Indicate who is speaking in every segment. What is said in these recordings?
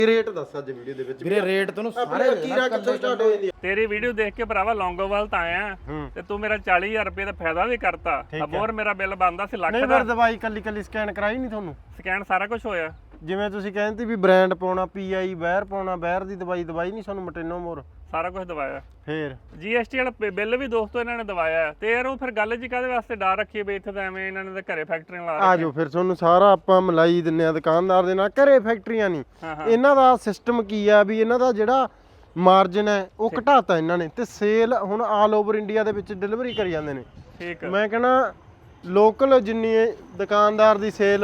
Speaker 1: Rate ਦੱਸ ਅੱਜ video ਦੇ ਵਿੱਚ
Speaker 2: ਵੀਰੇ ਰੇਟ ਤੈਨੂੰ ਸਾਰੇ
Speaker 1: ਕੀਰਾ ਕਿੱਥੋਂ ਸਟਾਰਟ ਹੋ ਜਾਂਦੀ ਆ?
Speaker 3: ਤੇਰੀ ਵੀਡੀਓ ਦੇਖ ਕੇ ਭਰਾਵਾ ਲੌਂਗੋਵਾਲ ਤਾਂ ਆਇਆ ਤੇ ਤੂੰ ਮੇਰਾ 40000 ਰੁਪਏ ਦਾ ਫਾਇਦਾ ਵੀ ਕਰਤਾ ਹੋਰ ਮੇਰਾ ਬਿੱਲ ਬਣਦਾ ਸੀ ਲੱਖ
Speaker 1: ਨਹੀਂ
Speaker 3: ਦਾ
Speaker 1: ਫਿਰ ਦਵਾਈ ਕੱਲੀ ਸਕੈਨ ਕਰਾਈ ਨਹੀਂ ਤੁਹਾਨੂੰ?
Speaker 3: ਸਕੈਨ ਸਾਰਾ ਕੁਝ ਹੋਇਆ।
Speaker 1: ਜਿਵੇਂ ਤੁਸੀਂ ਕਹਿੰਦੇ ਵੀ ਬ੍ਰਾਂਡ ਪਾਉਣਾ ਪੀਆਈ ਬਾਹਰ ਪਾਉਣਾ ਬਾਹਰ ਦੀ ਦਵਾਈ ਨਹੀਂ ਸਾਨੂੰ ਮਟੇਨੋ ਮੋਰ
Speaker 3: ਸਾਰਾ ਕੁਝ ਦਵਾਇਆ।
Speaker 1: ਫੇਰ
Speaker 3: GST ਵਾਲਾ ਬਿੱਲ ਵੀ ਦੋਸਤੋ ਇਹਨਾਂ ਨੇ ਦਵਾਇਆ ਤੇ ਯਾਰ ਉਹ ਫਿਰ ਗੱਲ ਜੀ ਕਾਹਦੇ ਵਾਸਤੇ ਡਰ ਰੱਖੀਏ ਵੀ ਇੱਥੇ ਤਾਂ ਐਵੇਂ ਇਹਨਾਂ ਨੇ ਤਾਂ ਘਰੇ ਫੈਕਟਰੀਆਂ ਲਾ
Speaker 1: ਆ ਜਾਓ ਫਿਰ ਤੁਹਾਨੂੰ ਸਾਰਾ ਆਪਾਂ ਮਲਾਈ ਦਿੰਨੇ ਆ ਦੁਕਾਨਦਾਰ ਦੇ ਨਾਲ। ਘਰੇ ਫੈਕਟਰੀਆਂ ਨਹੀਂ, ਇਹਨਾਂ ਦਾ ਸਿਸਟਮ ਕੀ ਆ ਵੀ ਇਹਨਾਂ ਦਾ ਜਿਹੜਾ ਮਾਰਜਨ ਹੈ ਉਹ ਘਟਾਤਾ ਇਹਨਾਂ ਨੇ ਤੇ ਸੇਲ ਹੁਣ ਆਲ ਓਵਰ ਇੰਡੀਆ ਦੇ ਵਿੱਚ ਡਿਲੀਵਰੀ ਕਰੀ ਜਾਂਦੇ ਨੇ।
Speaker 3: ਠੀਕ
Speaker 1: ਮੈਂ ਕਹਿੰਦਾ ਲੋਕਲ ਜਿੰਨੀ ਦੁਕਾਨਦਾਰ ਦੀ ਸੇਲ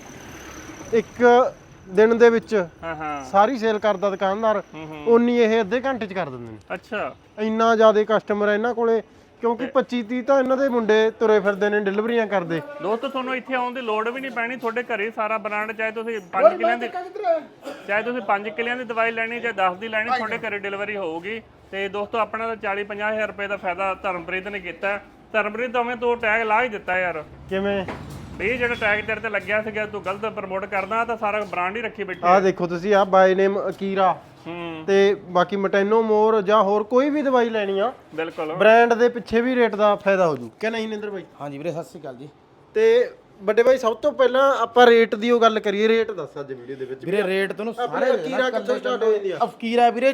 Speaker 1: ਇੱਕ ਦਿਨ ਦੇ ਵਿੱਚ ਸਾਰੀ ਸੇਲ ਕਰਦਾ ਦੁਕਾਨਦਾਰ ਉਨੀ ਇਹ ਅੱਧੇ ਘੰਟੇ ਚ ਕਰ ਦਿੰਦੇ ਨੇ।
Speaker 3: ਅੱਛਾ
Speaker 1: ਇੰਨਾ ਜ਼ਿਆਦਾ ਕਸਟਮਰ ਹੈ ਇਹਨਾਂ ਕੋਲੇ ਕਿਉਂਕਿ 25-30 ਤਾਂ ਇਹਨਾਂ ਦੇ ਮੁੰਡੇ ਤੁਰੇ ਫਿਰਦੇ ਨੇ ਡਿਲੀਵਰੀਆਂ ਕਰਦੇ।
Speaker 3: ਦੋਸਤੋ ਤੁਹਾਨੂੰ ਇੱਥੇ ਆਉਣ ਦੀ ਲੋੜ ਵੀ ਨਹੀਂ ਪੈਣੀ, ਤੁਹਾਡੇ ਘਰੇ ਸਾਰਾ ਬ੍ਰਾਂਡ ਚਾਹੇ ਤੁਸੀਂ 5 ਕਿੱਲਿਆਂ ਦੀ ਦਵਾਈ ਲੈਣੀ ਚਾਹੇ 10 ਦੀ ਲੈਣੀ ਤੁਹਾਡੇ ਘਰੇ ਡਿਲੀਵਰੀ ਹੋਊਗੀ। ਤੇ ਦੋਸਤੋ ਆਪਣਾ ਤਾਂ 40-50 ਹਜ਼ਾਰ ਰੁਪਏ ਦਾ ਫਾਇਦਾ ਧਰਮਪ੍ਰੀਤ ਨੇ ਕੀਤਾ। ਧਰਮਪ੍ਰੀਤ ਉਵੇਂ ਤੋਂ ਟੈਗ ਲਾ ਹੀ ਦਿੱਤਾ ਯਾਰ।
Speaker 1: ਕਿਵੇਂ
Speaker 3: ਇਹ ਜਿਹੜਾ ਟੈਗ ਤੇਰੇ ਤੇ ਲੱਗਿਆ ਸੀਗਾ ਤੂੰ ਗਲਤ ਪ੍ਰਮੋਟ ਕਰਦਾ ਤਾਂ ਸਾਰਾ ਬ੍ਰਾਂਡ ਹੀ ਰੱਖੀ ਬੈਠੀ।
Speaker 1: ਆਹ ਦੇਖੋ ਤੁਸੀਂ ਆ ਬਾਈ ਨੇਮ ਅਕੀਰਾ ਤੇ ਬਾਕੀ ਮਟੈਨੋ ਮੋਰ ਜਾਂ ਹੋਰ ਕੋਈ ਵੀ ਦਵਾਈ ਲੈਣੀ ਆ
Speaker 3: ਬਿਲਕੁਲ
Speaker 1: ਬ੍ਰਾਂਡ ਦੇ ਪਿੱਛੇ ਵੀ ਰੇਟ ਦਾ ਫਾਇਦਾ ਹੋ ਜੂ ਕਿ ਨਹੀਂ ਨਿੰਦਰ ਬਾਈ?
Speaker 2: ਹਾਂਜੀ ਵੀਰੇ ਸਤਿ ਸ਼੍ਰੀ ਅਕਾਲ ਜੀ।
Speaker 1: ਤੇ ਵੱਡੇ ਬਾਈ ਸਭ ਤੋਂ ਪਹਿਲਾਂ ਆਪਾਂ ਰੇਟ ਦੀ ਉਹ ਗੱਲ ਕਰੀਏ। ਰੇਟ ਦੱਸ ਅੱਜ ਵੀਡੀਓ ਦੇ ਵਿੱਚ
Speaker 2: ਵੀਰੇ ਰੇਟ ਤੈਨੂੰ ਸਾਰੇ
Speaker 1: ਅਕੀਰਾ ਕਿੱਥੋਂ ਸਟਾਰਟ ਹੋ ਜਾਂਦੀ ਆ?
Speaker 2: ਅਫਕੀਰਾ ਵੀਰੇ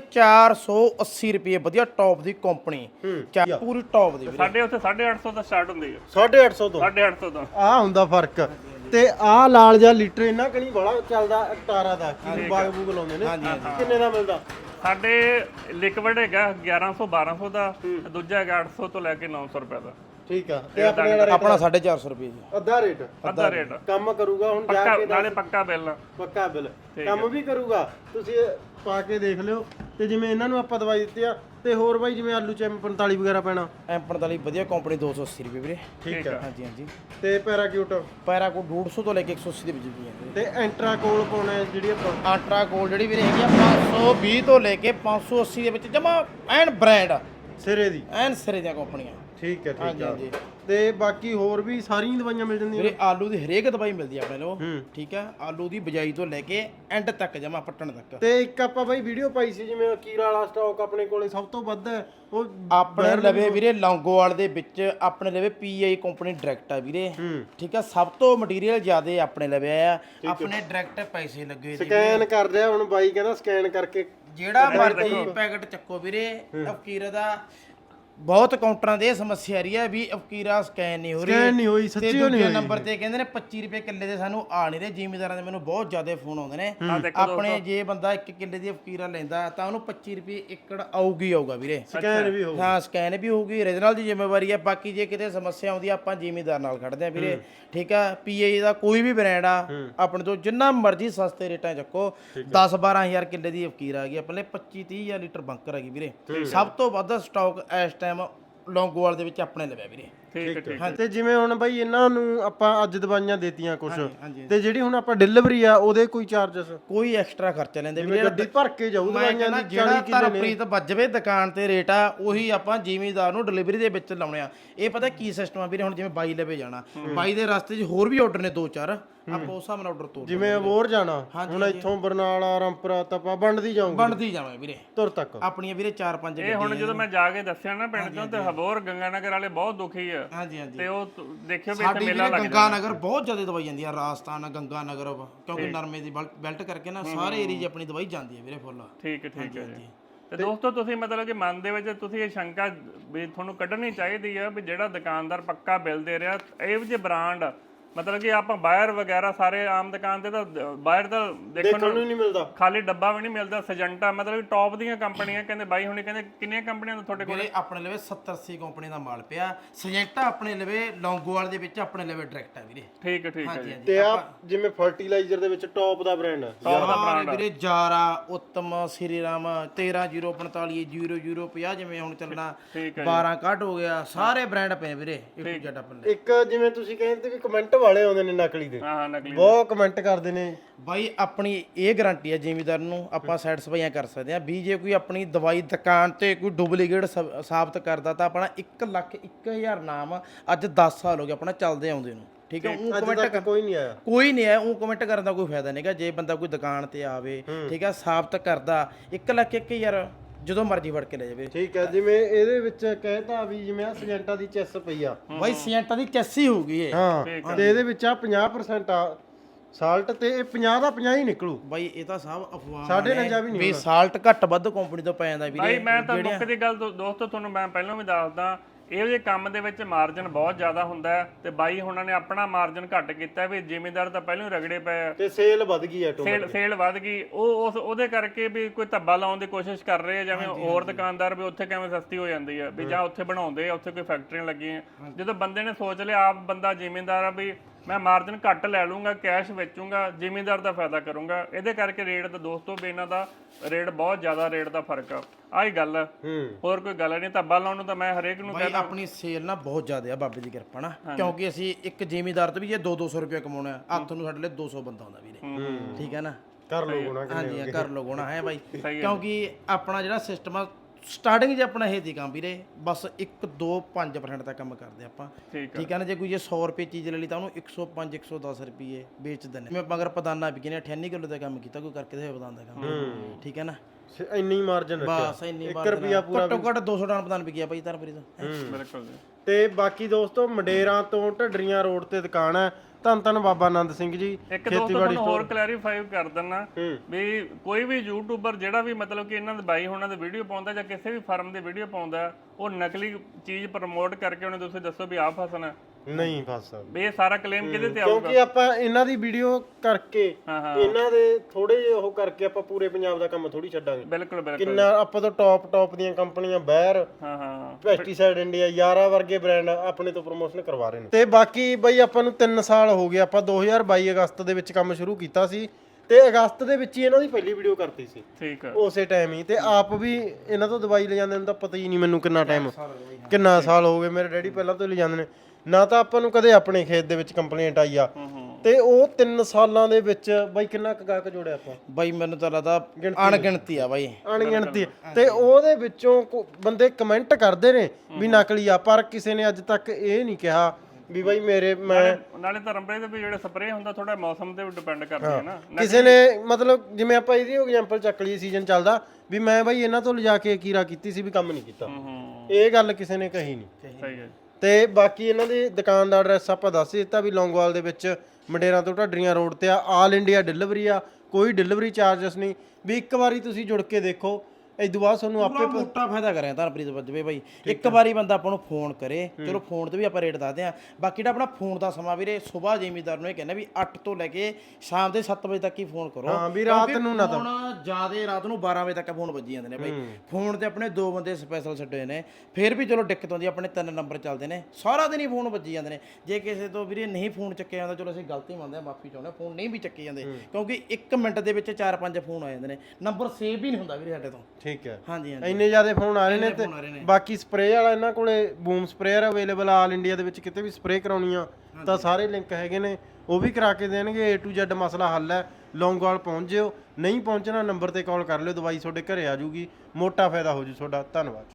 Speaker 2: 480 ਰੁਪਏ ਵਧੀਆ ਟੌਪ ਦੀ ਕੰਪਨੀ ਪੂਰੀ ਟੌਪ ਦੀ ਵੀਰੇ।
Speaker 3: ਸਾਡੇ ਉੱਥੇ 850 ਤੋਂ ਸਟਾਰਟ ਹੁੰਦੀ ਹੈ।
Speaker 1: 850 ਤੋਂ
Speaker 3: 850 ਤੋਂ
Speaker 1: ਆ ਹੁੰਦਾ ਫਰਕ। ਤੇ ਆ ਲਾਲ ਜਿਹਾ ਲੀਟਰ ਇਹਨਾਂ ਕਣੀ ਬੜਾ ਚੱਲਦਾ ਟਾਰਾ ਦਾ ਕੀ ਬਾਗ ਬੂਗ ਲਾਉਂਦੇ ਨੇ। ਕਿੰਨੇ ਦਾ ਮਿਲਦਾ?
Speaker 3: ਸਾਡੇ ਲਿਕਵਿਡ ਹੈਗਾ 1100 1200 ਦਾ, ਦੂਜਾ ਹੈਗਾ 800 ਤੋਂ ਲੈ ਕੇ 900 ਰੁਪਏ ਦਾ।
Speaker 1: ਠੀਕ ਆ। ਤੇ ਆਪਣੇ ਵਾਲਾ
Speaker 2: ਆਪਣਾ 450 ਰੁਪਏ ਜੀ
Speaker 1: ਅੱਧਾ ਰੇਟ।
Speaker 3: ਅੱਧਾ ਰੇਟ
Speaker 1: ਕੰਮ ਕਰੂਗਾ ਹੁਣ ਜਾ ਕੇ
Speaker 3: ਨਾਲੇ ਪੱਕਾ ਬਿੱਲ।
Speaker 1: ਪੱਕਾ ਬਿੱਲ ਕੰਮ ਵੀ ਕਰੂਗਾ। ਤੁਸੀਂ ਪਾ ਕੇ ਦੇਖ ਲਿਓ। ਤੇ ਜਿਵੇਂ ਇਹਨਾਂ ਨੂੰ ਆਪਾਂ ਦਵਾਈ ਦਿੱਤੀ ਆ ਤੇ ਹੋਰ ਬਾਈ ਜਿਵੇਂ ਆਲੂ ਚ M45 ਵਗੈਰਾ ਪੈਣਾ
Speaker 2: M45 ਵਧੀਆ ਕੰਪਨੀ 280 ਰੁਪਏ ਵੀਰੇ।
Speaker 1: ਠੀਕ ਆ।
Speaker 2: ਹਾਂਜੀ ਹਾਂਜੀ।
Speaker 1: ਤੇ ਪੈਰਾਕਿਊਟ
Speaker 2: ਪੈਰਾਕੋ 150 ਤੋਂ ਲੈ ਕੇ 180 ਦੇ ਵਿੱਚ ਵੀ ਹੈ।
Speaker 1: ਤੇ ਐਂਟਰਾ ਕੋਲ ਪਾਉਣਾ ਜਿਹੜੀ ਆਪਾਂ
Speaker 2: ਆਟਰਾ ਕੋਲ ਜਿਹੜੀ ਵੀਰੇ ਹੈਗੀ ਆ 520 ਤੋਂ ਲੈ ਕੇ 580 ਦੇ ਵਿੱਚ ਜਮਾ ਐਨ ਬ੍ਰਾਂਡ
Speaker 1: ਸਿਰੇ ਦੀ
Speaker 2: ਐਨ ਸਿਰੇ ਦੀਆਂ ਕੰਪਨੀਆਂ।
Speaker 1: ਠੀਕ ਹੈ ਠੀਕ ਆ। ਤੇ ਬਾਕੀ ਹੋਰ ਵੀ ਸਾਰੀਆਂ ਦਵਾਈਆਂ ਮਿਲ ਜਾਂਦੀਆਂ
Speaker 2: ਵੀਰੇ ਆਲੂ ਦੀ ਹਰੇਕ ਦਵਾਈ ਮਿਲਦੀ ਆ ਆਪਣੇ ਲੋ। ਠੀਕ ਹੈ ਆਲੂ ਦੀ ਬਜਾਈ ਤੋਂ ਲੈ ਕੇ ਐਂਡ ਤੱਕ ਜਮਾ ਪੱਟਣ ਤੱਕ।
Speaker 1: ਤੇ ਇੱਕ ਆਪਾਂ ਬਾਈ ਵੀਡੀਓ ਪਾਈ ਸੀ ਜਿਵੇਂ ਕੀਰਾ ਵਾਲਾ ਸਟਾਕ ਆਪਣੇ ਕੋਲੇ ਸਭ ਤੋਂ ਵੱਧ ਹੈ ਉਹ
Speaker 2: ਆਪਣੇ ਲਵੇ ਵੀਰੇ ਲੌਂਗੋਵਾਲ ਦੇ ਵਿੱਚ ਆਪਣੇ ਲਵੇ ਪੀਆਈ ਕੰਪਨੀ ਡਾਇਰੈਕਟ ਆ ਵੀਰੇ। ਠੀਕ ਆ ਸਭ ਤੋਂ ਮਟੀਰੀਅਲ ਜ਼ਿਆਦੇ ਆਪਣੇ ਲਵੇ ਆ ਆਪਣੇ ਡਾਇਰੈਕਟ ਪੈਸੇ ਲੱਗੇ
Speaker 1: ਸਕੈਨ ਕਰ ਰਿਹਾ ਹੁਣ ਬਾਈ ਕਹਿੰਦਾ ਸਕੈਨ ਕਰਕੇ
Speaker 2: ਜਿਹੜਾ ਮਰਜ਼ੀ ਪੈਕਟ ਚੱਕੋ ਵੀਰੇ। ਅਫਕੀਰਾ ਦਾ ਬਹੁਤ ਕਾਊਂਟਰਾਂ ਦੇ ਸਮੱਸਿਆ ਆ ਰਹੀ ਹੈ ਵੀ ਅਫਕੀਰਾ ਸਕੈਨ ਨਹੀਂ ਹੋ ਰਹੀ।
Speaker 1: ਸਕੈਨ ਨਹੀਂ ਹੋਈ ਸੱਚੀ ਨਹੀਂ ਹੋਈ।
Speaker 2: ਨੰਬਰ ਤੇ ਕਹਿੰਦੇ ਨੇ 25 ਰੁਪਏ ਕਿੱਲੇ ਦੇ ਸਾਨੂੰ ਆ ਨਹੀਂ ਰਹੇ। ਜ਼ਿਮੀਦਾਰਾਂ ਦੇ ਮੈਨੂੰ ਬਹੁਤ ਜ਼ਿਆਦਾ ਫੋਨ ਆਉਂਦੇ ਨੇ ਆਪਣੇ ਜੇ ਬੰਦਾ 1 ਕਿੱਲੇ ਦੀ ਅਫਕੀਰਾ ਲੈਂਦਾ ਤਾਂ ਉਹਨੂੰ 25 ਰੁਪਏ ਏਕੜ ਆਊਗਾ ਵੀਰੇ।
Speaker 1: ਸਕੈਨ ਵੀ ਹੋਊ।
Speaker 2: ਹਾਂ ਸਕੈਨ ਵੀ ਹੋਊਗੀ ਓਰੀਜਨਲ ਦੀ ਜ਼ਿੰਮੇਵਾਰੀ ਹੈ। ਬਾਕੀ ਜੇ ਕਿਤੇ ਸਮੱਸਿਆ ਆਉਂਦੀ ਆ ਆਪਾਂ ਜ਼ਿਮੀਦਾਰ ਨਾਲ ਖੜਦੇ ਆ ਵੀਰੇ। ਠੀਕ ਆ ਪੀਏ ਦਾ ਕੋਈ ਵੀ ਬ੍ਰਾਂਡ ਆ ਆਪਣੇ ਤੋਂ ਜਿੰਨਾ ਮਰਜ਼ੀ ਸਸਤੇ ਰੇਟਾਂ ਚੱਕੋ 10-12000 ਕਿੱਲੇ ਦੀ ਅਫਕੀਰ ਆ ਗਈ ਆਪਣੇ 25-30000 ਲੀਟਰ ਬੰਕਰ ਆ ਗਈ ਵੀਰੇ। ਸਭ ਤੋਂ ਵੱਧ ਸਟਾਕ ਇਸ ਟਾਈਮ ਲੌਂਗੋਵਾਲ ਦੇ ਵਿੱਚ ਆਪਣੇ ਲਵੇ ਵੀਰੇ।
Speaker 3: ਠੀਕ ਹੈ।
Speaker 1: ਤੇ ਜਿਵੇਂ ਹੁਣ ਬਾਈ ਇਹਨਾਂ ਨੂੰ ਆਪਾਂ ਅੱਜ ਦਵਾਈਆਂ ਦੇਤੀਆਂ ਕੁਝ ਤੇ ਜਿਹੜੀ ਹੁਣ ਆਪਾਂ ਡਿਲੀਵਰੀ ਆ ਉਹਦੇ ਕੋਈ ਚਾਰजेस
Speaker 2: ਕੋਈ ਐਕਸਟਰਾ ਖਰਚਾ ਲੈਂਦੇ
Speaker 1: ਵੀਰੇ? ਗੱਡੀ ਭਰ ਕੇ ਜਾਊ ਦਵਾਈਆਂ ਦੀ।
Speaker 2: ਜਿਹੜਾ ਧਰਮਪ੍ਰੀਤ ਵੱਜਵੇ ਦੁਕਾਨ ਤੇ ਰੇਟ ਆ ਉਹੀ ਆਪਾਂ ਜ਼ਿਮੀਦਾਰ ਨੂੰ ਡਿਲੀਵਰੀ ਦੇ ਵਿੱਚ ਲਾਉਣੇ ਆ। ਇਹ ਪਤਾ ਕੀ ਸਿਸਟਮ ਆ ਵੀਰੇ ਹੁਣ ਜਿਵੇਂ ਬਾਈ ਲਵੇ ਜਾਣਾ ਬਾਈ ਦੇ ਰਸਤੇ 'ਚ ਹੋਰ ਵੀ ਆਰਡਰ ਨੇ 2-4 ਆਪਾਂ ਉਸ ਹਿਸਾਬ ਨਾਲ ਆਰਡਰ ਤੋਰ
Speaker 1: ਜਿਵੇਂ ਅਬੋਰ ਜਾਣਾ ਹੁਣ ਇੱਥੋਂ ਬਰਨਾਲਾ ਰਾਮਪੁਰਾ ਤਪਾ ਬਣਦੀ
Speaker 2: ਜਾਵਾਂਗੇ ਵੀਰੇ
Speaker 1: ਤੁਰ ਤੱਕ
Speaker 2: ਆਪਣੀਆਂ ਵੀਰੇ 4-5
Speaker 3: ਇਹ ਹੁਣ ਜਦੋਂ ਮੈਂ ਜਾ ਕੇ ਦੱਸਿਆ ਨਾ ਪਿੰਡ ਚੋਂ ਤੇ ਹਬੋਰ ਗੰਗਾਨਗਰ ਵਾਲੇ ਬਹੁਤ ਦੁਖੀ ਆ।
Speaker 2: ਹਾਂਜੀ ਹਾਂਜੀ।
Speaker 3: ਤੇ ਉਹ ਦੇਖਿਓ ਵੀ ਇੱਥੇ ਮੇਲਾ ਲੱਗ
Speaker 2: ਗੰਗਾ ਨਗਰ ਬਹੁਤ ਜ਼ਿਆਦਾ ਦਵਾਈ ਜਾਂਦੀ ਆ। ਰਾਜਸਥਾਨ ਗੰਗਾ ਨਗਰ ਕਿਉਂਕਿ ਨਰਮੇ ਦੀ ਬੈਲਟ ਕਰਕੇ ਨਾ ਸਾਰੇ ਏਰੀਆ 'ਚ ਆਪਣੀ ਦਵਾਈ ਜਾਂਦੀ ਹੈ ਵੀਰੇ ਫੁੱਲ।
Speaker 3: ਠੀਕ ਹੈ ਜੀ। ਤੇ ਦੋਸਤੋ ਤੁਸੀਂ ਮਤਲਬ ਕਿ ਮਨ ਦੇ ਵਿੱਚ ਤੁਸੀਂ ਇਹ ਸ਼ੰਕਾ ਵੀ ਤੁਹਾਨੂੰ ਕੱਢਣੀ ਚਾਹੀਦੀ ਆ ਵੀ ਜਿਹੜਾ ਦੁਕਾਨਦਾਰ ਪੱਕਾ ਬਿੱਲ ਦੇ ਰਿਹਾ ਇਹ ਜਿਹੇ ਬ੍ਰਾਂਡ ਮਤਲਬ ਕਿ ਆਪਾਂ ਬਾਇਰ ਵਗੈਰਾ ਸਾਰੇ ਆਮ ਦੁਕਾਨ ਤੇ ਤਾਂ ਬਾਇਰ ਤਾਂ ਦੇਖਣ ਨੂੰ
Speaker 1: ਨਹੀਂ ਮਿਲਦਾ
Speaker 3: ਖਾਲੀ ਡੱਬਾ ਵੀ ਨਹੀਂ ਮਿਲਦਾ। ਸਜੰਟਾ ਮਤਲਬ ਟੌਪ ਦੀਆਂ ਕੰਪਨੀਆਂ ਕਹਿੰਦੇ ਬਾਈ ਹੁਣੇ ਕਹਿੰਦੇ ਕਿੰਨੀਆਂ ਕੰਪਨੀਆਂ ਦਾ ਤੁਹਾਡੇ ਕੋਲ?
Speaker 2: ਆਪਣੇ ਲਵੇ 70-80 ਕੰਪਨੀ ਦਾ ਮਾਲ ਪਿਆ। ਸਜੈਂਟਾ ਆਪਣੇ ਲਵੇ ਲੌਂਗੋਵਾਲ ਦੇ ਵਿੱਚ ਆਪਣੇ ਲਵੇ ਡਾਇਰੈਕਟ ਆ ਵੀਰੇ।
Speaker 3: ਠੀਕ ਹੈ।
Speaker 1: ਤੇ ਆ ਜਿਵੇਂ ਫਰਟੀਲਾਈਜ਼ਰ ਦੇ ਵਿੱਚ ਟੌਪ ਦਾ ਬ੍ਰਾਂਡ
Speaker 2: ਵੀਰੇ ਜਾਰਾ ਉਤਮ ਸ਼੍ਰੀਰਾਮ 130450 0050 ਜਿਵੇਂ ਹੁਣ ਚੱਲਣਾ 1261 ਹੋ ਗਿਆ ਸਾਰੇ ਬ੍ਰਾਂਡ ਪਏ ਵੀਰੇ।
Speaker 1: ਇੱਕ ਜਿਵੇਂ ਤੁਸੀਂ ਕਹਿੰਦੇ ਵੀ ਕਮੈਂਟ ਵਾਲੇ ਆਉਂਦੇ ਨੇ ਨਕਲੀ ਦੇ।
Speaker 3: ਹਾਂ ਨਕਲੀ
Speaker 1: ਬਹੁਤ ਕਮੈਂਟ ਕਰਦੇ ਨੇ
Speaker 2: ਬਾਈ। ਆਪਣੀ ਇਹ ਗਾਰੰਟੀ ਹੈ ਜ਼ਿਮੀਦਾਰ ਨੂੰ ਆਪਾਂ ਸੈਟੀਸਫਾਈ ਕਰ ਸਕਦੇ ਆ ਵੀ ਜੇ ਕੋਈ ਆਪਣੀ ਦਵਾਈ ਦੁਕਾਨ ਤੇ ਕੋਈ ਡੁਪਲੀਕੇਟ ਸਾਬਤ ਕਰਦਾ ਤਾਂ ਆਪਣਾ 1,01,000 ਨਾਮ ਅੱਜ 10 ਸਾਲ ਹੋ ਗਏ ਆਪਣਾ ਚੱਲਦੇ ਆਉਂਦੇ ਨੂੰ। ਠੀਕ ਹੈ ਉਹ
Speaker 1: ਅੱਜ
Speaker 2: ਕਮੈਂਟ
Speaker 1: ਤੱਕ ਕੋਈ ਨਹੀਂ ਆਇਆ।
Speaker 2: ਕੋਈ ਨਹੀਂ ਹੈ ਉਹ ਕਮੈਂਟ ਕਰਨ ਦਾ ਕੋਈ ਫਾਇਦਾ ਨਹੀਂਗਾ। ਜੇ ਬੰਦਾ ਕੋਈ ਦੁਕਾਨ ਤੇ ਆਵੇ ਠੀਕ ਹੈ ਸਾਬਤ ਕਰਦਾ 1 ਲੱਖ 1 ਯਾਰ ਜਦੋਂ ਮਰਜ਼ੀ ਫੜ ਕੇ ਲੈ ਜਾਵੇ।
Speaker 1: ਠੀਕ ਹੈ, ਜਿਵੇਂ ਇਹਦੇ ਵਿੱਚ ਕਹਿਤਾ ਵੀ ਜਿਵੇਂ ਆ ਸਿਜੈਂਟਾ ਦੀ ਚੈਸ ਪਈ ਆ
Speaker 2: ਬਾਈ ਸਿਐਂਟਾ ਦੀ ਚੈਸੀ ਹੋਊਗੀ ਇਹ।
Speaker 1: ਹਾਂ, ਤੇ ਇਹਦੇ ਵਿੱਚ ਆ 50% ਆ ਸਾਲਟ, ਤੇ ਇਹ 50 ਦਾ 50 ਹੀ ਨਿਕਲੂ
Speaker 2: ਬਾਈ ਇਹ ਤਾਂ ਸਭ ਅਫਵਾਹ
Speaker 1: ਸਾਢੇ 49 ਵੀ ਨਹੀਂ
Speaker 2: ਵੀ ਸਾਲਟ ਘੱਟ ਵੱਧ ਕੰਪਨੀ ਤੋਂ ਪੈ ਜਾਂਦਾ ਵੀਰੇ।
Speaker 3: ਭਾਈ ਮੈਂ ਤਾਂ ਮੁੱਖ ਦੀ ਗੱਲ ਦੋਸਤੋ ਤੁਹਾਨੂੰ ਮੈਂ ਪਹਿਲਾਂ ਵੀ ਦੱਸਦਾ, ਇਹੋ ਜਿਹੇ ਕੰਮ ਦੇ ਵਿੱਚ ਮਾਰਜਨ ਬਹੁਤ ਜ਼ਿਆਦਾ ਹੁੰਦਾ ਹੈ ਤੇ ਬਾਈ ਹੁਣਾਂ ਨੇ ਆਪਣਾ ਮਾਰਜਨ ਘੱਟ ਕੀਤਾ ਵੀ ਜ਼ਿਮੀਂਦਾਰ ਤਾਂ ਪਹਿਲਾਂ ਹੀ ਰਗੜੇ ਪਏ ਆ
Speaker 1: ਤੇ ਸੇਲ ਵੱਧ ਗਈ ਆਟੋਮੈਟਿਕ।
Speaker 3: ਸੇਲ ਵੱਧ ਗਈ, ਉਹਦੇ ਕਰਕੇ ਵੀ ਕੋਈ ਧੱਬਾ ਲਾਉਣ ਦੀ ਕੋਸ਼ਿਸ਼ ਕਰ ਰਹੇ ਆ, ਜਿਵੇਂ ਹੋਰ ਦੁਕਾਨਦਾਰ ਵੀ ਉੱਥੇ ਕਿਵੇਂ ਸਸਤੀ ਹੋ ਜਾਂਦੀ ਆ ਵੀ ਜਾਂ ਉੱਥੇ ਬਣਾਉਂਦੇ ਆ, ਉੱਥੇ ਕੋਈ ਫੈਕਟਰੀਆਂ ਲੱਗੀਆਂ। ਜਦੋਂ ਬੰਦੇ ਨੇ ਸੋਚ ਲਿਆ ਆਪ ਬੰਦਾ ਜ਼ਿਮੀਂਦਾਰ ਆ ਵੀ ਮੈਂ ਮਾਰਜਨ ਘੱਟ ਲੈ ਲੂੰਗਾ, ਕੈਸ਼ ਵੇਚੂੰਗਾ, ਜ਼ਿਮੀਂਦਾਰ ਦਾ ਫਾਇਦਾ ਕਰੂੰਗਾ, ਇਹਦੇ ਕਰਕੇ ਰੇਟ ਦਾ ਦੋਸਤੋ ਵੀ ਇਹਨਾਂ ਦਾ ਰੇਟ ਬਹੁਤ ਜ਼ਿਆਦਾ ਰੇਟ ਦਾ ਫਰਕ ਆ। ਆਹੀ ਗੱਲ ਆ, ਹੋਰ ਕੋਈ ਗੱਲ ਨਹੀਂ। ਧੱਬਾ ਲਾਉਣ ਨੂੰ ਤਾਂ ਮੈਂ ਹਰੇਕ ਨੂੰ
Speaker 2: ਬਾਈ ਆਪਣੀ ਸੇਲ ਨਾ ਬਹੁਤ ਜ਼ਿਆਦਾ ਆ ਬਾਬੇ ਦੀ ਕਿਰਪਾ ਨਾ, ਕਿਉਂਕਿ ਅਸੀਂ ਇੱਕ ਜ਼ਿਮੀਂਦਾਰ ਤੋਂ ਵੀ ਜੇ 200 ਰੁਪਏ ਕਮਾਉਣਾ ਆ, ਹੱਥ ਨੂੰ ਸਾਡੇ ਲਈ 200 ਬੰਦਾ ਆਉਂਦਾ ਵੀਰੇ, ਠੀਕ ਹੈ ਨਾ।
Speaker 1: ਕਰ ਲੋ ਗੁਣਾ
Speaker 2: ਹਾਂਜੀ ਕਰ ਲੋ ਗੁਣਾ ਹੈ ਬਾਈ, ਕਿਉਂਕਿ ਆਪਣਾ ਜਿਹੜਾ ਸਿਸਟਮ ਆ ਸਟਾਰਟਿੰਗ 'ਚ ਆਪਣਾ ਇਹ ਦੀ ਕੰਮ ਵੀਰੇ ਬਸ 1-2-5% ਦਾ ਕੰਮ ਕਰਦੇ ਆਪਾਂ, ਠੀਕ ਹੈ ਨਾ। ਜੇ ਕੋਈ ਜੇ 100 ਰੁਪਏ ਚੀਜ਼ ਲੈ ਲਈ ਤਾਂ ਉਹਨੂੰ 105-110 ਰੁਪਏ ਵੇਚ ਦਿੰਦੇ। ਮੈਂ ਮਗਰ ਪਦਾਨਾ ਵੀ ਕਿਨੇ 98 ਕਿਲੋ ਦਾ ਕੰਮ ਕੀਤਾ, ਕੋਈ ਕਰਕੇ ਦੇ ਪਦਾਨ ਦਾ ਕੰਮ, ਠੀਕ ਹੈ ਨਾ।
Speaker 1: ਇੰਨੀ ਮਾਰਜਨ ਰੱਖਿਆ,
Speaker 2: ਬਸ ਇੰਨੀ
Speaker 1: 1 ਰੁਪਿਆ ਪੂਰਾ
Speaker 2: ਘੱਟੋ ਘੱਟ 200 ਟਨ ਪਦਾਨ ਵਿਕਿਆ ਬਾਈ ਧਰਮਪੁਰੀ ਤੋਂ।
Speaker 3: ਬਿਲਕੁਲ ਜੀ।
Speaker 1: ਤੇ ਬਾਕੀ ਦੋਸਤੋ ਮੰਡੇਰਾਂ ਤੋਂ ਢੱਡਰੀਆਂ ਰੋਡ ਤੇ ਦੁਕਾਨ ਹੈ, ਧੰਨ ਧੰਨ ਬਾਬਾ ਆਨੰਦ ਸਿੰਘ ਜੀ
Speaker 3: ਇੱਕ ਦੋਸਤੋ ਤੁਹਾਨੂੰ ਹੋਰ ਕਲੈਰੀਫਾਈ ਕਰ ਦਿੰਨਾ ਵੀ ਕੋਈ ਵੀ ਯੂਟਿਊਬਰ ਜਿਹੜਾ ਵੀ ਮਤਲਬ ਕਿ ਇਹਨਾਂ ਦੇ ਬਾਈ ਹੋਣਾ ਦੇ ਵੀਡੀਓ ਪਾਉਂਦਾ ਜਾਂ ਕਿਸੇ ਵੀ ਫਰਮ ਦੀ ਵੀਡੀਓ ਪਾਉਂਦਾ, ਉਹ ਨਕਲੀ ਚੀਜ਼ ਪ੍ਰਮੋਟ ਕਰਕੇ ਉਹਨੇ ਤੁਸੀਂ ਦੱਸੋ ਵੀ ਆਪ ਫਸਣਾ
Speaker 1: ਨਹੀਂ ਫਸ ਸਕਦਾ
Speaker 3: ਵੀ ਇਹ ਸਾਰਾ ਕਲੇਮ ਕਿਹਦੇ ਤੇ ਆਊਗਾ?
Speaker 1: ਕਿਉਂਕਿ ਆਪਾਂ ਇਹਨਾਂ ਦੀ ਵੀਡੀਓ ਕਰਕੇ ਇਹਨਾਂ ਦੇ ਥੋੜੇ ਜਿਹੇ ਉਹ ਕਰਕੇ ਆਪਾਂ ਪੂਰੇ ਪੰਜਾਬ ਦਾ ਕੰਮ ਥੋੜੀ ਛੱਡਾਂਗੇ।
Speaker 3: ਬਿਲਕੁਲ ਬਿਲਕੁਲ
Speaker 1: ਕਿੰਨਾ ਆਪਾਂ ਤੋਂ ਟੌਪ ਦੀਆਂ ਕੰਪਨੀਆਂ ਬੈਰ ਪੈਸਟੀਸਾਈਡ ਇੰਡੀਆ ਯਾਰਾ ਵਰਗੇ ਬ੍ਰਾਂਡ ਆਪਣੇ ਤੋਂ ਪ੍ਰੋਮੋਸ਼ਨ ਕਰਵਾ ਰਹੇ ਨੇ। ਤੇ ਬਾਕੀ ਬਈ ਆਪਾਂ ਨੂੰ 3 ਸਾਲ ਹੋ ਗਏ, ਆਪਾਂ 2022 ਅਗਸਤ ਦੇ ਵਿੱਚ ਕੰਮ ਸ਼ੁਰੂ ਕੀਤਾ ਸੀ ਤੇ ਅਗਸਤ ਦੇ ਵਿੱਚ ਹੀ ਇਹਨਾਂ ਦੀ ਪਹਿਲੀ ਵੀਡੀਓ ਕਰਤੀ ਸੀ,
Speaker 3: ਠੀਕ ਹੈ,
Speaker 1: ਉਸੇ ਟਾਈਮ ਹੀ। ਤੇ ਆਪ ਵੀ ਇਹਨਾਂ ਤੋਂ ਦਵਾਈ ਲੈ ਜਾਂਦੇ ਨੇ ਤਾਂ ਪਤਾ ਹੀ ਨਹੀਂ ਮੈਨੂੰ ਕਿੰਨਾ ਸਾਲ ਹੋ ਗਏ। ਮੇਰੇ ਡੈਡੀ ਪਹਿਲਾਂ ਤੋਂ ਲੈ ਜਾਂਦੇ ਨੇ, ਨਾ ਤਾਂ ਆਪਾਂ ਨੂੰ ਕਦੇ ਆਪਣੇ ਖੇਤ ਦੇ ਵਿੱਚ ਕੰਪਲੇਂਟ ਆਈ ਆ। ਤੇ ਉਹ 3 ਸਾਲਾਂ ਦੇ ਵਿੱਚ ਬਾਈ ਕਿੰਨਾ ਗਾਹਕ ਜੋੜਿਆ ਆਪਾਂ?
Speaker 2: ਬਾਈ ਮੈਨੂੰ ਤਾਂ ਲੱਗਦਾ ਅਣਗਿਣਤੀ ਆ ਬਾਈ,
Speaker 1: ਅਣਗਿਣਤੀ। ਤੇ ਉਹਦੇ ਵਿੱਚੋਂ ਬੰਦੇ ਕਮੈਂਟ ਕਰਦੇ ਨੇ ਵੀ ਨਕਲੀ ਆ, ਪਰ ਕਿਸੇ ਨੇ ਅੱਜ ਤੱਕ ਇਹ ਨਹੀਂ ਕਿਹਾ ਵੀ ਬਾਈ
Speaker 3: ਨਾਲੇ ਧਰਮਪੁਰੇ ਦੇ ਵੀ ਜਿਹੜੇ ਸਪਰੇਅ ਹੁੰਦਾ ਥੋੜਾ ਮੌਸਮ ਤੇ ਡਿਪੈਂਡ ਕਰਦੀ ਹੈ ਨਾ।
Speaker 1: ਕਿਸੇ ਨੇ ਮਤਲਬ ਜਿਵੇਂ ਆਪਾਂ ਇਹਦੀ ਐਗਜ਼ਾਮਪਲ ਚੱਕ ਲਈ, ਸੀਜ਼ਨ ਚੱਲਦਾ ਵੀ ਮੈਂ ਬਾਈ ਇਹਨਾਂ ਤੋਂ ਲਿਜਾ ਕੇ ਕੀਰਾ ਕੀਤੀ ਸੀ ਵੀ ਕੰਮ ਨਹੀਂ ਕੀਤਾ, ਇਹ ਗੱਲ ਕਿਸੇ ਨੇ ਕਹੀ ਨਹੀਂ।
Speaker 3: ਸਹੀ ਹੈ।
Speaker 1: ਤੇ ਬਾਕੀ ਇਹਨਾਂ ਦੀ ਦੁਕਾਨ ਦਾ ਐਡਰੈਸ ਆਪਾਂ ਦੱਸ ਦਿੱਤਾ ਵੀ ਲੌਂਗੋਵਾਲ ਦੇ ਵਿੱਚ ਮੰਡੇਰਾਂ ਤੋਂ ਢੱਡਰੀਆਂ ਰੋਡ ਤੇ ਆ, ਆਲ ਇੰਡੀਆ ਡਿਲੀਵਰੀ ਆ, ਕੋਈ ਡਿਲੀਵਰੀ ਚਾਰਜਸ ਨਹੀਂ। ਵੀ ਇੱਕ ਵਾਰੀ ਤੁਸੀਂ ਜੁੜ ਕੇ ਦੇਖੋ, ਇਦੋਂ ਬਾਅਦ ਤੁਹਾਨੂੰ ਆਪੇ
Speaker 2: ਮੋਟਾ ਫਾਇਦਾ ਕਰਿਆ ਧਰਮਪ੍ਰੀਤ ਵੱਜਵੇ ਬਾਈ। ਇੱਕ ਵਾਰੀ ਬੰਦਾ ਆਪਾਂ ਨੂੰ ਫੋਨ ਕਰੇ, ਚਲੋ ਫੋਨ ਤੇ ਵੀ ਆਪਾਂ ਰੇਟ ਦੱਸਦੇ ਆ, ਬਾਕੀ ਜਿਹੜਾ ਆਪਣਾ ਫੋਨ ਦਾ ਸਮਾਂ ਵੀਰੇ ਸਵੇਰ ਜ਼ਿਮੀਦਾਰ ਨੂੰ ਇਹ ਕਹਿੰਦਾ ਵੀ 8 ਤੋਂ ਲੈ ਕੇ ਸ਼ਾਮ ਦੇ 7 ਵਜੇ ਤੱਕ ਹੀ ਫੋਨ ਕਰੋ।
Speaker 1: ਹਾਂ ਵੀ ਰਾਤ ਨੂੰ ਨਾ ਤਾਂ
Speaker 2: ਹੁਣ ਜਿਆਦੇ ਰਾਤ ਨੂੰ 12 ਵਜੇ ਤੱਕ ਫੋਨ ਵੱਜੀ ਜਾਂਦੇ ਨੇ ਬਾਈ। ਫੋਨ ਤੇ ਆਪਣੇ 2 ਬੰਦੇ ਸਪੈਸ਼ਲ ਛੱਡੇ ਨੇ, ਫਿਰ ਵੀ ਚਲੋ ਦਿੱਕਤ ਆਉਂਦੀ, ਆਪਣੇ 3 ਨੰਬਰ ਚੱਲਦੇ ਨੇ, ਸਾਰਾ ਦਿਨ ਹੀ ਫੋਨ ਵੱਜੀ ਜਾਂਦੇ ਨੇ। ਜੇ ਕਿਸੇ ਤੋਂ ਵੀਰੇ ਨਹੀਂ ਫੋਨ ਚੱਕਿਆ ਜਾਂਦਾ, ਚਲੋ ਅਸੀਂ ਗਲਤੀ ਮੰਨਦੇ ਆ, ਮਾਫੀ ਚਾਹੁੰਦੇ, ਫੋਨ ਨਹੀਂ ਵੀ ਚੱਕੇ ਜਾਂਦੇ ਕਿਉਂਕਿ 1 ਮਿੰਟ ਦੇ ਵਿੱਚ 4-5 ਫੋਨ ਆ ਜਾਂਦੇ ਨੇ, ਨੰਬਰ ਸੇਵ ਵੀ ਨਹੀਂ ਹੁੰਦਾ ਵੀਰੇ ਸਾਡੇ ਤੋਂ।
Speaker 1: ਠੀਕ ਹੈ,
Speaker 2: ਹਾਂਜੀ
Speaker 1: ਇੰਨੇ ਜ਼ਿਆਦਾ ਫੋਨ ਆ ਰਹੇ ਨੇ। ਤੇ ਬਾਕੀ ਸਪਰੇਅ ਵਾਲਾ ਇਹਨਾਂ ਕੋਲੇ boom sprayer available all India ਦੇ ਵਿੱਚ, ਕਿਤੇ ਵੀ ਸਪਰੇਅ ਕਰਾਉਣੀ ਆ ਤਾਂ ਸਾਰੇ ਲਿੰਕ ਹੈਗੇ ਨੇ, ਉਹ ਵੀ ਕਰਾ ਕੇ ਦੇਣਗੇ। A to Z ਮਸਲਾ ਹੱਲ ਹੈ। ਲੌਂਗੋਵਾਲ ਪਹੁੰਚ ਜਿਓ, ਨਹੀਂ ਪਹੁੰਚਣਾ ਨੰਬਰ ਤੇ ਕਾਲ ਕਰ ਲਿਓ, ਦਵਾਈ ਤੁਹਾਡੇ ਘਰੇ ਆ ਜੂਗੀ, ਮੋਟਾ ਫਾਇਦਾ ਹੋ ਜੂ ਤੁਹਾਡਾ। ਧੰਨਵਾਦ।